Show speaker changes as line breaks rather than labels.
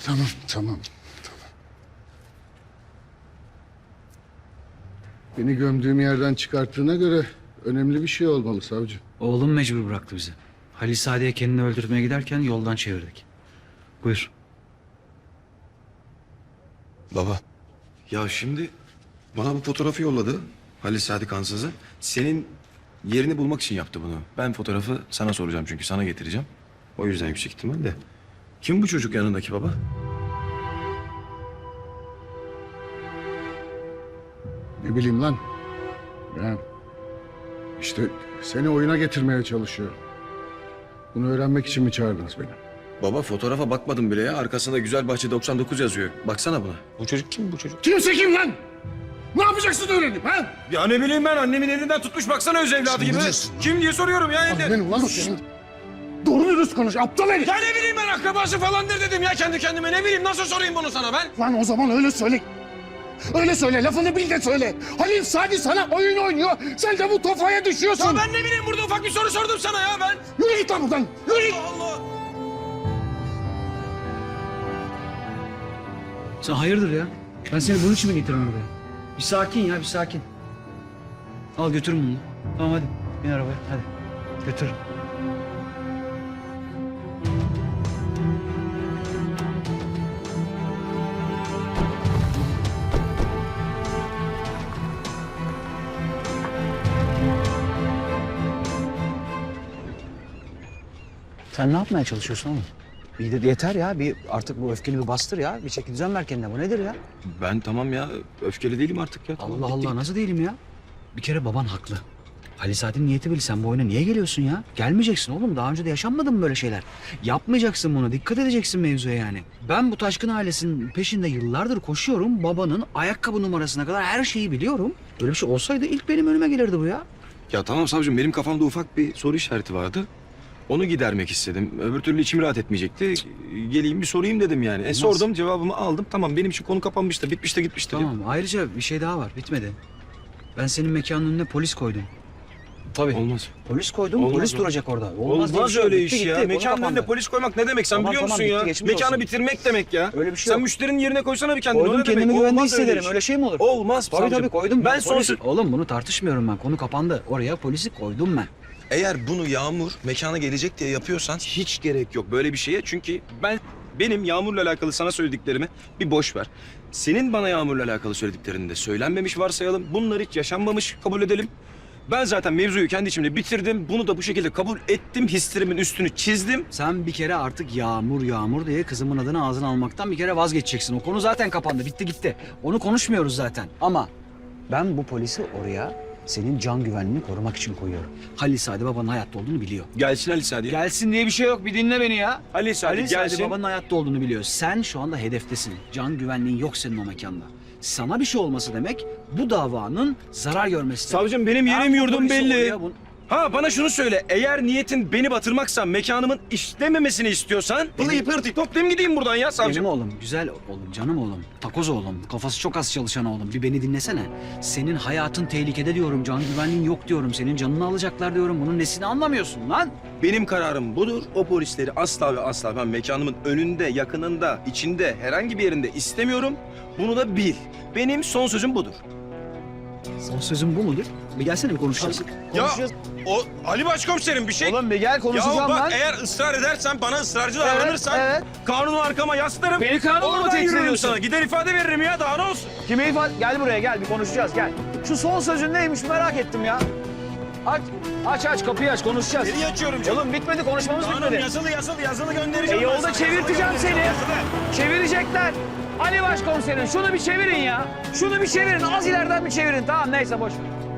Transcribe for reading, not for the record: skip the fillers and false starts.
Tamam, tamam. Beni gömdüğüm yerden çıkarttığına göre önemli bir şey olmalı savcı.
Oğlum mecbur bıraktı bizi. Halil Saadet'e kendini öldürmeye giderken yoldan çevirdik. Buyur.
Baba, ya şimdi bana bu fotoğrafı yolladı Halil Sadi Kansız'ı. Senin yerini bulmak için yaptı bunu. Ben fotoğrafı sana soracağım çünkü sana getireceğim. O yüzden yüksek ihtimal de. Kim bu çocuk yanındaki baba?
Ne bileyim lan. Ya işte seni oyuna getirmeye çalışıyorum. Bunu öğrenmek için mi çağırdınız beni?
Baba fotoğrafa bakmadım bile ya. Arkasında Güzelbahçe 99 yazıyor. Baksana buna. Bu çocuk kim bu çocuk?
Kimse kim lan? Ne yapacaksın öğrenip ha?
Ya ne bileyim ben, annemin elinden tutmuş baksana öz evladı gibi. Kim diye soruyorum ya evde.
Benim lan o senin. Doğru dürüst konuş aptal herif.
Ya ne bileyim ben, akrabası falandır dedim ya kendi kendime. Ne bileyim, nasıl sorayım bunu sana ben?
Lan o zaman öyle söyle. Öyle söyle, lafını bil de söyle. Halil Sadi sana oyun oynuyor. Sen de bu tofaya düşüyorsun.
Ya ben ne bileyim, burada ufak bir soru sordum sana ya ben.
Yürü git lan buradan. Yürü git.
Allah Allah.
Sen hayırdır ya? Ben seni bunun için mi getirdim buraya? Bir sakin ya, bir sakin. Al götür bunu. Tamam hadi. Bin arabaya hadi. Götür. Sen ne yapmaya çalışıyorsun oğlum? Yeter ya. Bir artık bu öfkeni bir bastır ya. Bir çeki düzen ver kendine. Bu nedir ya?
Ben tamam ya, öfkeli değilim artık ya. Tamam,
Allah
bitti.
Allah, nasıl değilim ya? Bir kere baban haklı. Halil Saadet'in niyeti belli. Sen bu oyuna niye geliyorsun ya? Gelmeyeceksin oğlum. Daha önce de yaşanmadı mı böyle şeyler? Yapmayacaksın bunu. Dikkat edeceksin mevzuya yani. Ben bu Taşkın ailesinin peşinde yıllardır koşuyorum. Babanın ayakkabı numarasına kadar her şeyi biliyorum. Böyle bir şey olsaydı ilk benim önüme gelirdi bu ya.
Ya tamam savcım, benim kafamda ufak bir soru işareti vardı. Onu gidermek istedim. Öbür türlü içim rahat etmeyecekti. Geleyim bir sorayım dedim yani. Sordum, cevabımı aldım. Tamam, benim için konu kapanmıştı. Bitmişti, gitmişti.
Tamam. Ayrıca bir şey daha var. Bitmedi. Ben senin mekanın önüne polis koydum. Tabii.
Olmaz.
Polis koydum.
Olmaz
Polis
o.
duracak orada.
Olmaz
diye bir şey yok.
öyle
Bitti,
iş ya.
gitti. Konu
Mekanın
kapandı.
önünde polis koymak ne demek sen
Tamam,
biliyor
tamam,
musun
bitti,
ya?
geçmiş
Mekanı
olsun.
bitirmek demek ya.
Öyle bir şey
Sen
yok.
müşterinin yerine koysana bir kendini.
Koydum,
O ne demek?
kendimi güvende
Olmaz öyle
hissederim.
iş.
Öyle şey mi olur?
Olmaz
Tabii
savcım.
tabii koydum.
Ben
Polisi- Oğlum bunu tartışmıyorum ben. Konu kapandı. Oraya polisi koydum ben.
Eğer bunu Yağmur mekana gelecek diye yapıyorsan hiç gerek yok böyle bir şeye. Çünkü benim Yağmur'la alakalı sana söylediklerimi bir boş ver. Senin bana Yağmur'la alakalı söylediklerini de söylenmemiş varsayalım. Bunlar hiç yaşanmamış kabul edelim. Ben zaten mevzuyu kendi içimde bitirdim. Bunu da bu şekilde kabul ettim. Hislerimin üstünü çizdim.
Sen bir kere artık Yağmur diye kızımın adını ağzına almaktan bir kere vazgeçeceksin. O konu zaten kapandı. Bitti gitti. Onu konuşmuyoruz zaten. Ama ben bu polisi oraya senin can güvenliğini korumak için koyuyorum. Halil Sadi babanın hayatta olduğunu biliyor.
Gelsin Ali Sadi.
Gelsin diye bir şey yok. Bir dinle beni ya.
Ali Sadi
Halil Sadi
gelsin.
babanın hayatta olduğunu biliyor. Sen şu anda hedeftesin. Can güvenliğin yok senin o mekanda. Sana bir şey olması demek bu davanın zarar görmesi demek.
Savcım benim yerim
Ben bu
yurdum
polisi
belli.
oraya
Ha bana şunu söyle. Eğer niyetin beni batırmaksa, mekanımın işlememesini istiyorsan... Pılıyı pırtıyı toplayayım gideyim buradan ya savcım.
Benim oğlum, güzel oğlum, canım oğlum, takoz oğlum, kafası çok az çalışan oğlum. Bir beni dinlesene. Senin hayatın tehlikede diyorum, can güvenliğin yok diyorum. Senin canını alacaklar diyorum. Bunun nesini anlamıyorsun lan?
Benim kararım budur. O polisleri asla ve asla ben mekanımın önünde, yakınında, içinde, herhangi bir yerinde istemiyorum. Bunu da bil. Benim son sözüm budur.
Son sözüm bu mudur? Bir gelsene bir konuşacağız.
Ya o Ali Başkomiserim bir şey...
Oğlum bir gel konuşacağım
Ya bak
lan.
eğer ısrar edersen, bana ısrarcı davranırsan...
evet.
Kanunu arkama yaslarım.
Beni kanunla mı
Oradan
tehdit
yürürüm
ediyorsun?
sana. Gider ifade veririm ya, daha ne olsun?
Kime ifade? Gel buraya gel bir konuşacağız gel. Şu son sözün neymiş merak ettim ya. Aç kapıyı aç konuşacağız.
Nereye açıyorum canım?
Oğlum bitmedi konuşmamız
Kanun
bitmedi.
yazılı göndereceğim. ben
Yolda
sana.
çevirteceğim seni.
Yazılı.
Çevirecekler. Ali Başkomiserim şunu bir çevirin ya. Şunu bir çevirin. Az ileriden bir çevirin. Tamam neyse boş ver.